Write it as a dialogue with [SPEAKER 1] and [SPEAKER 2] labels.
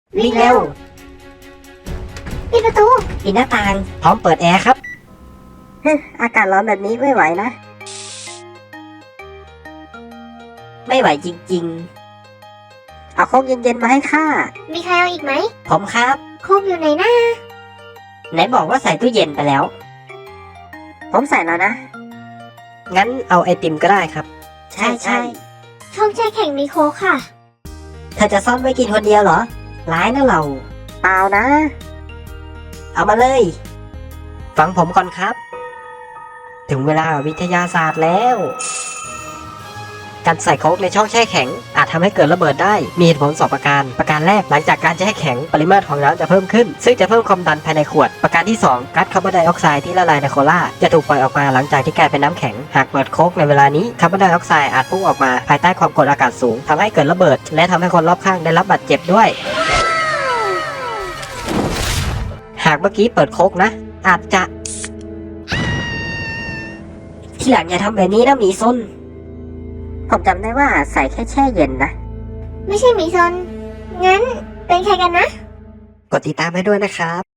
[SPEAKER 1] วิ่งเร็ว
[SPEAKER 2] ปิดประตู
[SPEAKER 1] ปิดหน้าต่าง พร้อมเปิดแอร์ครับ
[SPEAKER 2] อากาศร้อนแบบนี้ไม่ไหวนะ
[SPEAKER 1] ไม่ไหวจริง
[SPEAKER 2] เอาโค้กเย็นๆมาให้ข้า
[SPEAKER 3] มีใครเอาอีกไหม
[SPEAKER 1] ๆ ผมครับ
[SPEAKER 3] โคกอยู่ไหนนะ
[SPEAKER 1] ไหนบอกว่าใส่ตู้เย็นไปแล้ว
[SPEAKER 2] ผมใส่แล้วนะ
[SPEAKER 1] งั้นเอาไอติมก็ได้ครับ ใช่ใช่
[SPEAKER 3] ช่องแช่แข็งมีโค้กค่ะ
[SPEAKER 1] เธอจะซ่อนไว้กินคนเดียวเหรอ ร้ายนะเรา
[SPEAKER 2] เปล่านะ
[SPEAKER 1] เอามาเลย ฟังผมก่อนครับ ถึงเวลาวิทยาศาสตร์แล้ว การใส่โค้กในช่องแช่แข็งอาจทำให้เกิดระเบิดได้ มีเหตุผล2ประการ ประการแรกหลังจากการแช่แข็งปริมาตรของน้ำจะเพิ่มขึ้น ซึ่งจะเพิ่มความดันภายในขวด ประการที่ 2ก๊าซคาร์บอนไดออกไซด์ที่ละลายในโคลาจะถูกปล่อยออกมาหลังจากที่กลายเป็นน้ำแข็ง หากเปิดโค้กในเวลานี้คาร์บอนไดออกไซด์อาจพุ่งออกมาภายใต้ความกดอากาศสูงทำให้เกิดระเบิด และทำให้คนรอบข้างได้รับบาดเจ็บด้วย หากเมื่อกี้เปิดโค้กนะ อาจจะ ที่หลังอย่าทำแบบนี้นะหมีซน
[SPEAKER 2] ผมจำได้ว่าใส่แค่แช่เย็นนะ
[SPEAKER 3] ไม่ใช่หมีซน งั้นเป็นใครกันนะ
[SPEAKER 1] กดติดตามให้ด้วยนะครับ